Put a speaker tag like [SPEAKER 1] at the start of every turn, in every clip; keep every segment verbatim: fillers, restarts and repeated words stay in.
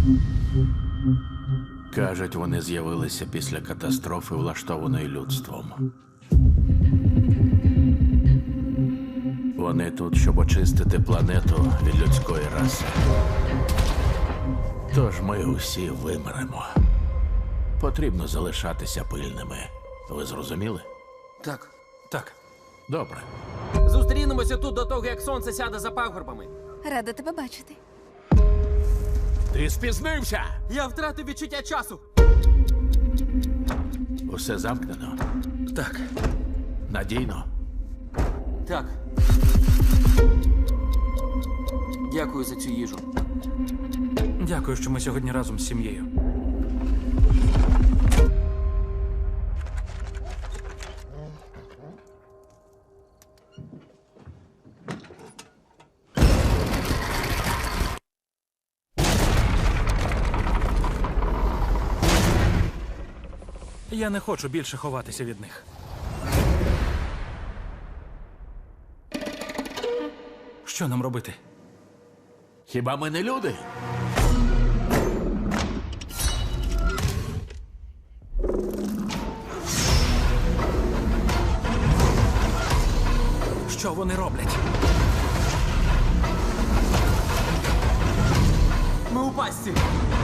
[SPEAKER 1] Кажуть, вони з'явилися після катастрофи, влаштованої людством. Вони тут, щоб очистити планету від людської раси. Тож ми усі вимремо. Потрібно залишатися пильними. Ви зрозуміли?
[SPEAKER 2] Так.
[SPEAKER 3] Так.
[SPEAKER 1] Добре.
[SPEAKER 2] Зустрінемося тут до того, як сонце сяде за пагорбами.
[SPEAKER 4] Рада тебе бачити.
[SPEAKER 1] Ти спізнився!
[SPEAKER 2] Я втратив відчуття часу.
[SPEAKER 1] Усе замкнено.
[SPEAKER 3] Так.
[SPEAKER 1] Надійно.
[SPEAKER 2] Так. Дякую за цю їжу.
[SPEAKER 3] Дякую, що ми сьогодні разом з сім'єю. Я не хочу більше ховатися від них. Що нам робити?
[SPEAKER 1] Хіба ми не люди?
[SPEAKER 3] Що вони роблять?
[SPEAKER 2] Ми у пастці.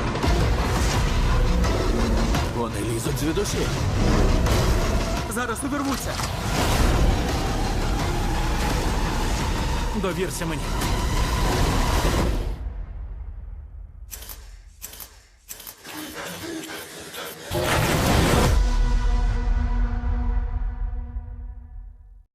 [SPEAKER 1] Вони лізуть звідусіль.
[SPEAKER 2] Зараз увірвуться.
[SPEAKER 3] Довірся мені.